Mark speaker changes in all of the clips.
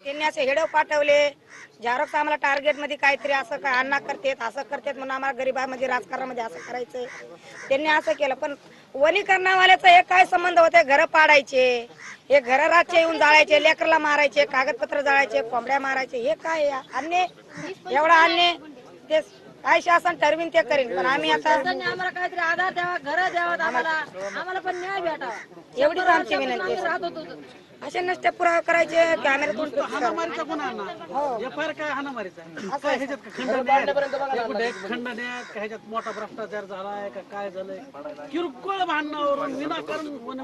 Speaker 1: त्यांनी असे हेडो पाठवले, झेरॉक्स आम्हाला टार्गेट मध्ये काहीतरी असं काय अण्णा करतेत असं करतेत म्हणून आम्हाला गरीबामध्ये राजकारणामध्ये असं करायचंय. त्यांनी असं केलं. पण वनीकरणावाल्याचा हे काय संबंध होते? घर पाडायचे, हे घर राज्य येऊन जाळायचे, लेकरला मारायचे, कागदपत्र जाळायचे, कोंबड्या मारायचे, हे काय अन्य? एवढा अन्य ते काय शासन ठरवीन ते करीन. पण आम्ही आता
Speaker 2: आम्हाला काहीतरी आधार द्यावा, घर द्यावा, आम्हाला पण न्याय भेटावा
Speaker 1: एवढीच आमची विनंती आहे. असे नसते पुरावे करायचे कॅमेऱ्यातून
Speaker 3: हाणामारीचा गुन्हा ना एफआयआर काय हाणामारीचा काय ह्याच्यात खंडण्यात का ह्याच्यात मोठा भ्रष्टाचार झालाय का काय झालंय किरकोळ भांडणावरून विनाकारण वन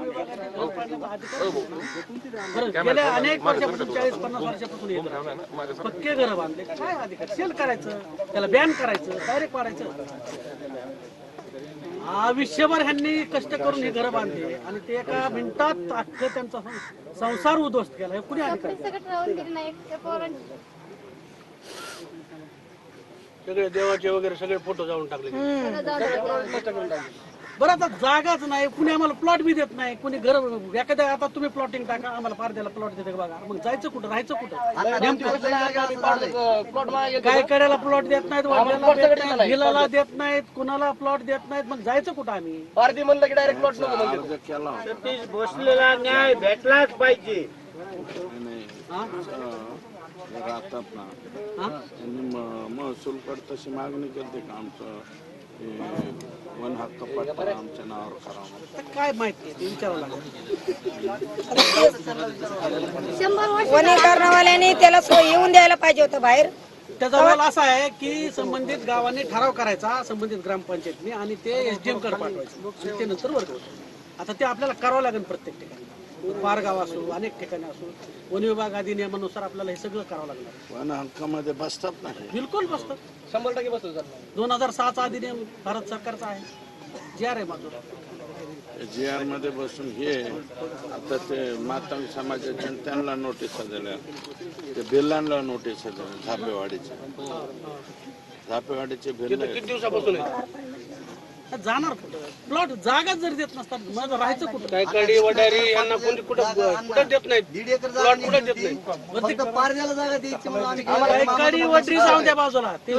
Speaker 3: विभागाने गेल्या अनेक वर्षापासून 40-50 वर्षापासून पक्के घर बांधले काय अधिकार सेल करायचं त्याला बॅन करायचं डायरेक्ट पाडायचं. आयुष्यभर ह्यांनी कष्ट करून हे घर बांधले आणि ते एका मिनिटात अख्खं त्यांचा संसार उद्ध्वस्त केला. कुणी अधिकारी सगळे देवाचे वगैरे सगळे फोटो जाऊन टाकले. बरं आता जागाच नाही कुणी आम्हाला प्लॉट बी देत नाही कुणी घर एखाद्या आता तुम्ही प्लॉटिंग टाका आम्हाला पारद्याला प्लॉट देते बघा मग जायचं कुठं राहायचं कुठं काय कड्याला प्लॉट देत नाहीत भिलाला देत नाहीत कुणाला प्लॉट देत नाहीत मग जायचं कुठं आम्ही पारदी म्हणलं की डायरेक्ट प्लॉट
Speaker 4: बसलेला न्याय भेटलाच पाहिजे.
Speaker 5: राहतात ना त्यांनी महसूल कड तशी मागणी करते का आमचं वन हक्क पट्टा आमच्या नावावर करावं
Speaker 3: काय माहिती ते विचारावं लागेल.
Speaker 1: वनीकरणवाल्यांनी त्याला सोय येऊन द्यायला पाहिजे होतं बाहेर.
Speaker 3: त्याचा रोल असा आहे की संबंधित गावांनी ठराव करायचा संबंधित ग्रामपंचायतनी आणि ते एसडीएम कडे पाठवायचं आणि ते नंतर वर्ग होतं. आता ते आपल्याला करावं लागेल प्रत्येक ठिकाणी पारगाव असो अनेक ठिकाणी असो वन विभाग अधिनियमानुसार आपल्याला हे सगळं करावं लागणार.
Speaker 5: वन हक्कामध्ये बसतात नाही
Speaker 3: बिलकुल बसतात 100% बसतात. 2006चा अधिनियम भारत सरकारचा आहे जी आर आहे माझं
Speaker 5: जी आर मध्ये बसून हे आता ते मातंग समाजाच्या त्यांना नोटीस दिल्या ते बिल्लांना नोटीस दिल्या झापेवाडीचे भिल्ल
Speaker 3: किती दिवसापासून जाणार प्लॉट जागा जर देत नसतात मग राहायचं कुठं काय कडी वडारी यांना कोणी कुठं देत नाही 1.5 एकर प्लॉट कुठं देत नाही पारद्याला जागा द्यायची म्हणून आम्ही कडी वडरी जाऊन द्या बाजूला ते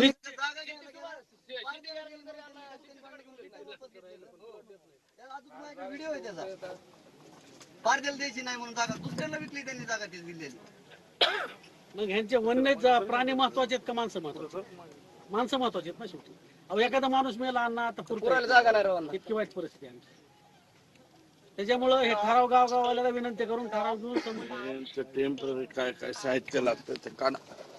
Speaker 6: व्हिडिओ आहे त्याचा पारद्याला द्यायची नाही म्हणून जागा दुसऱ्याला विकली त्यांनी जागा ती दिलेली.
Speaker 3: मग ह्यांचे वन्य प्राणी महत्वाचे आहेत का माणसं महत्वाचे? माणसं महत्वाचे आहेत ना शेवटी. अहो एखादा माणूस मेला अण्णा आता इतकी वाईट परिस्थिती आहे त्याच्यामुळं हे ठराव गावगावाला विनंती करून ठराव घेऊन
Speaker 5: टेम्पररी काय काय साहित्य लागतं ते काढा